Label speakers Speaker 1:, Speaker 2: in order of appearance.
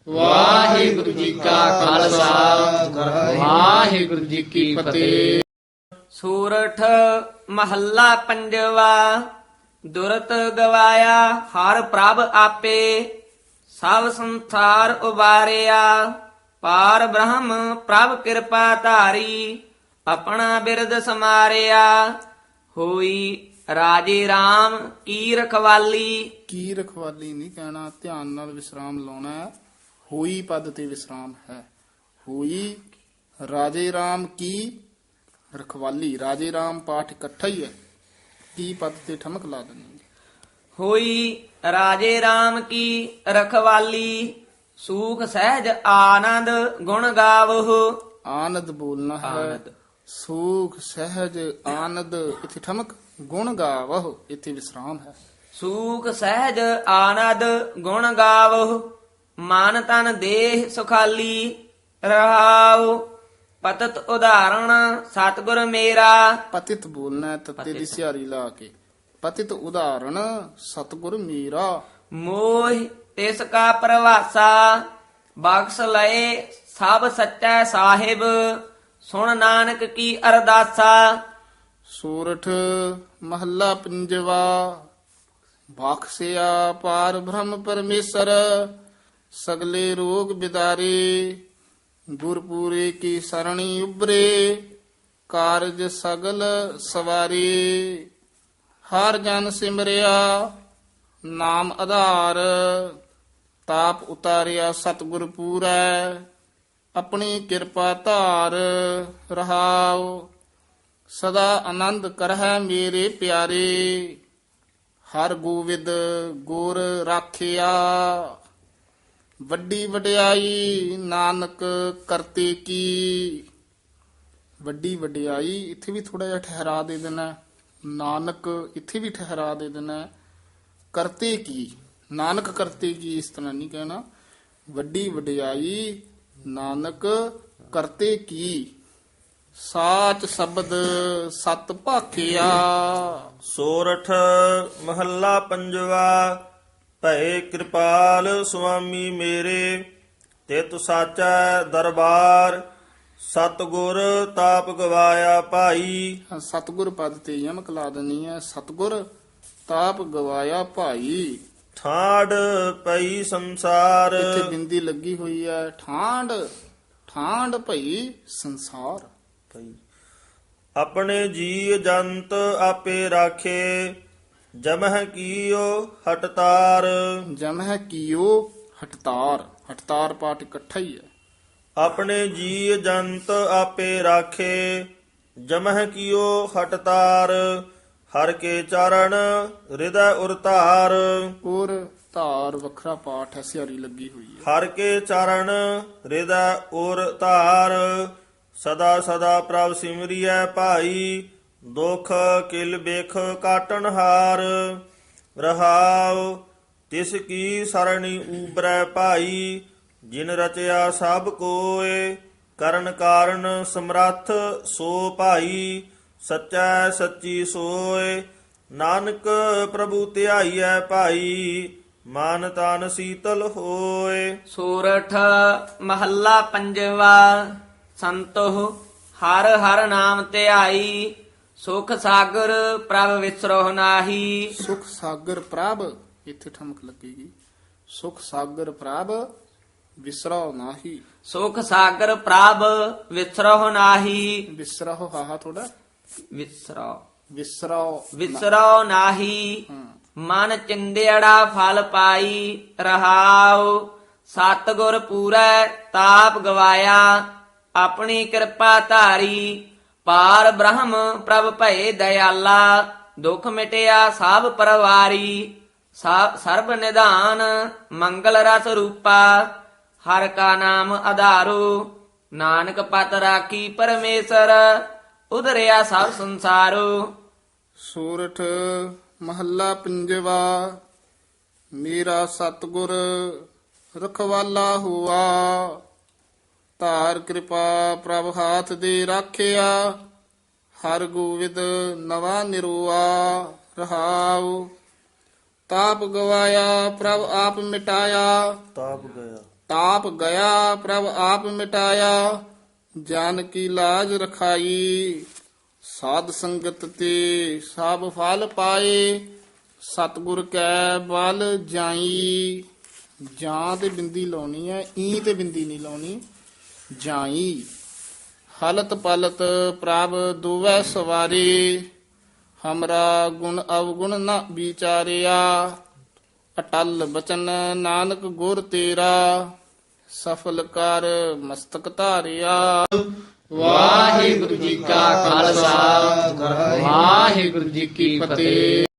Speaker 1: ਵਾਹਿਗੁਰੂ ਜੀ ਕਾ ਖਾਲਸਾ ਵਾਹਿਗੁਰੂ ਜੀ ਕੀ ਫਤਿਹ।
Speaker 2: ਸੂਰਠ ਮਹੱਲਾ ਪੰਜਵਾ। ਦੁਰਤ ਗਵਾਇਆ ਹਰ ਪ੍ਰਭ ਆਪੇ, ਸਭ ਸੰਸਾਰ ਉਬਾਰਿਆ। ਪਾਰ ਬ੍ਰਹਮ ਪ੍ਰਭ ਕਿਰਪਾ ਧਾਰੀ, ਆਪਣਾ ਬਿਰਦ ਸਮਾਰਿਆ। ਹੋਈ ਰਾਜੇ RAM ਕੀ ਰਖਵਾਲੀ।
Speaker 3: ਕੀ ਰਖਵਾਲੀ ਨਹੀਂ ਕਹਿਣਾ, ਧਿਆਨ ਨਾਲ ਵਿਸਰਾਮ ਲਾਉਣਾ ਹੈ। ਹੋਈ ਪਦ ਤੇ ਵਿਸਰਾਮ ਹੈ। ਹੋਈ ਰਾਜੇ RAM ਕੀ ਰਖਵਾਲੀ। ਰਾਜੇ RAM ਪਾਠ ਇਕੱਠਾ ਹੀ ਹੈ। ਕੀ ਪਦ ਤੇ ਠਮਕ ਲਾ ਦੇਣੀ।
Speaker 2: ਹੋਈ ਰਾਜੇ RAM ਕੀ ਰਖਵਾਲੀ, ਸੂਖ ਸਹਿਜ ਆਨੰਦ ਗੁਣ ਗਾਵਹੁ।
Speaker 3: ਆਨੰਦ ਬੋਲਣਾ ਹੈ।
Speaker 2: ਆਨੰਦ।
Speaker 3: ਸੁਖ ਸਹਿਜ ਆਨੰਦ, ਇੱਥੇ ਠਮਕ। ਗੁਣ ਗਾਵਹੁ, ਇੱਥੇ ਵਿਸਰਾਮ ਹੈ।
Speaker 2: ਸੂਖ ਸਹਿਜ ਆਨੰਦ ਗੁਣ ਗਾਵਹੁ, ਮਨ ਤਨ ਦੇਹ ਸੁਖਾਲੀ। ਰਹਾਉ ਪਤਤ ਉਦਾਹਰਣ ਸਤਿਗੁਰ ਮੇਰਾ।
Speaker 3: ਪਤਿਤ ਬੋਲਣਾ ਹੈ, ਤੱਤੇ ਦੀ ਸਿਹਾਰੀ ਲਾ ਕੇ। ਪਤਿਤ ਉਦਾਹਰਣ ਸਤਿਗੁਰ ਮੇਰਾ।
Speaker 2: ਮੋਹ ਤਿਸ ਕਾ ਪ੍ਰਵਾਸਾ, ਬਖਸ਼ ਲਏ ਸਭ ਸੱਚਾ ਸਾਹਿਬ। ਸੁਣ ਨਾਨਕ ਕੀ ਅਰਦਾਸਾ।
Speaker 3: ਸੂਰਠ ਮਹੱਲਾ ਪੰਜਵਾ। ਬਖਸ਼ਿਆ ਪਾਰ ਬ੍ਰਹਮ ਪਰਮੇਸ਼ਰ, ਸਗਲੇ ਰੋਗ ਬਿਦਾਰੇ। ਗੁਰਪੂਰੇ ਕੀ ਸਰਣੀ ਉਬਰੇ, ਕਾਰਜ ਸਗਲ ਸਵਾਰੇ। ਹਰ ਜਨ ਸਿਮਰਿਆ ਨਾਮ ਆਧਾਰ, ਤਾਪ ਉਤਾਰਿਆ ਸਤਿਗੁਰ ਪੂਰੈ। ਆਪਣੀ ਕਿਰਪਾ ਧਾਰ ਰਹਾਉ, ਸਦਾ ਆਨੰਦ ਕਰਹਿ ਮੇਰੇ ਪਿਆਰੇ। ਹਰ ਗੋਵਿੰਦ ਗੁਰ ਰਾਖਿਆ, ਵੱਡੀ ਵਡਿਆਈ ਨਾਨਕ ਕਰਤੇ ਕੀ। ਵੱਡੀ ਵਡਿਆਈ ਇੱਥੇ ਵੀ ਥੋੜਾ ਜਿਹਾ ਠਹਿਰਾ ਦੇ ਦੇਣਾ। ਨਾਨਕ ਇੱਥੇ ਵੀ ਠਹਿਰਾ ਦੇ ਦੇਣਾ। ਕਰਤੇ ਕੀ, ਨਾਨਕ ਕਰਤੇ ਕੀ ਇਸ ਤਰ੍ਹਾਂ ਨਹੀਂ ਕਹਿਣਾ। ਵੱਡੀ ਵਡਿਆਈ ਨਾਨਕ ਕਰਤੇ ਕੀ। ਸਾਚ ਸ਼ਬਦ ਸਤ ਭਾਖਿਆ।
Speaker 4: ਸੋਰਠ ਮਹੱਲਾ ਪੰਜਵਾ। ਭਏ ਕਿਰਪਾਲ ਸੁਆਮੀ ਮੇਰੇ, ਤਿਤ ਸਾਚੈ ਦਰਬਾਰ। ਸਤਿਗੁਰ ਤਾਪ ਗਵਾਇਆ ਭਾਈ।
Speaker 3: ਸਤਿਗੁਰ ਪਦ ਤੇ ਯਮਕ ਲਾ ਦੇਣੀ ਹੈ। ਸਤਿਗੁਰ ਤਾਪ ਗਵਾਇਆ ਭਾਈ।
Speaker 4: ਠਾੜ ਪਈ ਸੰਸਾਰ।
Speaker 3: ਇੱਥੇ ਬਿੰਦੀ ਲੱਗੀ ਹੋਈ ਹੈ। ਠਾਂਡ ਠਾਂਡ ਭਈ ਸੰਸਾਰ।
Speaker 4: ਪਈ ਆਪਣੇ ਜੀ ਜੰਤ ਆਪੇ ਰਾਖੇ, ਜਮਹਿ ਕੀਓ ਹਟਤਾਰ।
Speaker 3: ਜਮਹਿ ਕੀਓ ਹਟਤਾਰ। ਹਟਤਾਰ ਪਾਠ ਇਕੱਠਾ ਹੀ ਹੈ।
Speaker 4: ਆਪਣੇ ਜੀ ਜੰਤ ਆਪੇ ਰਾਖੇ, ਜਮਹਿ ਕੀਓ ਹਟਤਾਰ। ਹਰ ਕੇ ਚਰਨ ਹਿਰਦੈ ਉਰਤਾਰ।
Speaker 3: ਔਰ ਧਾਰ ਵੱਖਰਾ ਪਾਠ ਹੈ। ਸਿਹਾਰੀ ਲੱਗੀ ਹੋਈ ਹੈ।
Speaker 4: ਹਰ ਕੇ ਚਰਨ ਹਿਰਦੈ ਉਰਤਾਰ। ਸਦਾ ਸਦਾ ਪ੍ਰਭ ਸਿਮਰਿਐ ਭਾਈ, ਦੁਖ ਕਿਲ ਬਿਖ ਕਾਟਨ ਹਾਰ। ਰਹਾਉ ਤਿਸ ਕੀ ਸਰਣੀ ਊਬਰੈ ਭਾਈ, ਜਿਨ ਰਚਿਆ ਸਭ ਕੋਇ। ਕਰਨ ਕਾਰਨ ਸਮਰੱਥ ਸੋ ਭਾਈ, ਸੱਚੈ ਸੱਚੀ ਸੋਇ। ਨਾਨਕ ਪ੍ਰਭੂ ਧਿਆਈਐ ਭਾਈ, ਮਨ ਤਨ ਸੀਤਲ ਹੋਏ।
Speaker 2: ਸੂਰਠ ਮਹੱਲਾ ਪੰਜਵਾ। ਸੰਤੋ ਹਰ ਹਰ ਨਾਮ ਧਿਆਈ, ਸੁਖ ਸਾਗਰ ਪ੍ਰਭ ਵਿਸਰੋ ਨਾਹੀ।
Speaker 3: ਸੁਖ ਸਾਗਰ ਪ੍ਰਭ, ਇੱਥੇ ਠਮਕ ਲੱਗੇਗੀ। ਸੁਖ ਸਾਗਰ ਪ੍ਰਭ ਵਿਸਰਾਉ ਨਾਹੀ।
Speaker 2: ਸੁਖ ਸਾਗਰ ਪ੍ਰਭ ਵਿਸਰੋ ਨਾਹੀ।
Speaker 3: ਵਿਸਰਾਉ ਹਾਹਾ ਥੋੜਾ।
Speaker 2: ਵਿਸਰੋ
Speaker 3: ਵਿਸਰਾਉ
Speaker 2: ਵਿਸਰੋ ਨਾਹੀ। ਮਨ ਚਿੰਦਿਆੜਾ ਫਲ ਪਾਈ। ਰਹਾਉ ਸਤਿਗੁਰ ਪੂਰੈ ਤਾਪ ਗਵਾਇਆ, ਆਪਣੀ ਕਿਰਪਾ ਧਾਰੀ। ਪਾਰ ਬ੍ਰਹਮ ਪ੍ਰਭ ਭਏ ਦਇਆਲਾ, ਦੁਖ ਮਿਟਿਆ ਸਭ ਪਰਵਾਰੀ। ਸਰਬ ਨਿਧਾਨ ਮੰਗਲ ਰਸ ਰੂਪਾ, ਹਰ ਕਾ ਨਾਮ ਆਧਾਰੋ। ਨਾਨਕ ਪਤ ਰਾਖੀ ਪਰਮੇਸ਼ਰ, ਉਧਰਿਆ ਸਭ ਸੰਸਾਰੋ।
Speaker 3: ਸੂਰਠ ਮਹੱਲਾ ਪੰਜਵਾ। ਮੇਰਾ ਸਤਿਗੁਰ ਰਖਵਾਲਾ ਹੁਆ, ਧਾਰ ਕਿਰਪਾ ਪ੍ਰਭ ਹਾਥ ਦੇ ਰਾਖਿਆ। ਹਰ ਗੋਵਿੰਦ ਨਵਾ ਨਿਰੋਆ। ਰਹਾਉ ਤਾਪ ਗਵਾਇਆ ਪ੍ਰਭ ਆਪ ਮਿਟਾਇਆ।
Speaker 4: ਤਾਪ ਗਿਆ
Speaker 3: ਤਾਪ ਗਿਆ ਪ੍ਰਭ ਆਪ ਮਿਟਾਇਆ, ਜਾਨ ਕੀ ਲਾਜ ਰਖਾਈ। ਸਾਧ ਸੰਗਤ ਤੇ ਸਭ ਫਲ ਪਾਏ, ਸਤਿਗੁਰ ਕੈ ਬਲ ਜਾਈ। ਜਾਂ ਤੇ ਬਿੰਦੀ ਲਾਉਣੀ ਹੈ, ਈ ਤੇ ਬਿੰਦੀ ਨਹੀਂ ਲਾਉਣੀ, ਜਾਈ। ਹਲਤ ਪਲਤ ਪ੍ਰਭ ਦੁਵੈ ਸਵਾਰੇ, ਹਮਰਾ ਗੁਣ ਅਵਗੁਣ ਨ ਵਿਚਾਰਿਆ। ਅਟਲ ਬਚਨ ਨਾਨਕ ਗੁਰ ਤੇਰਾ, ਸਫਲ ਕਰ ਮਸਤਕ ਧਾਰਿਆ।
Speaker 1: ਵਾਹਿਗੁਰੂ ਜੀ ਕਾ ਖਾਲਸਾ ਵਾਹਿਗੁਰੂ ਜੀ ਕੀ ਫਤਿਹ।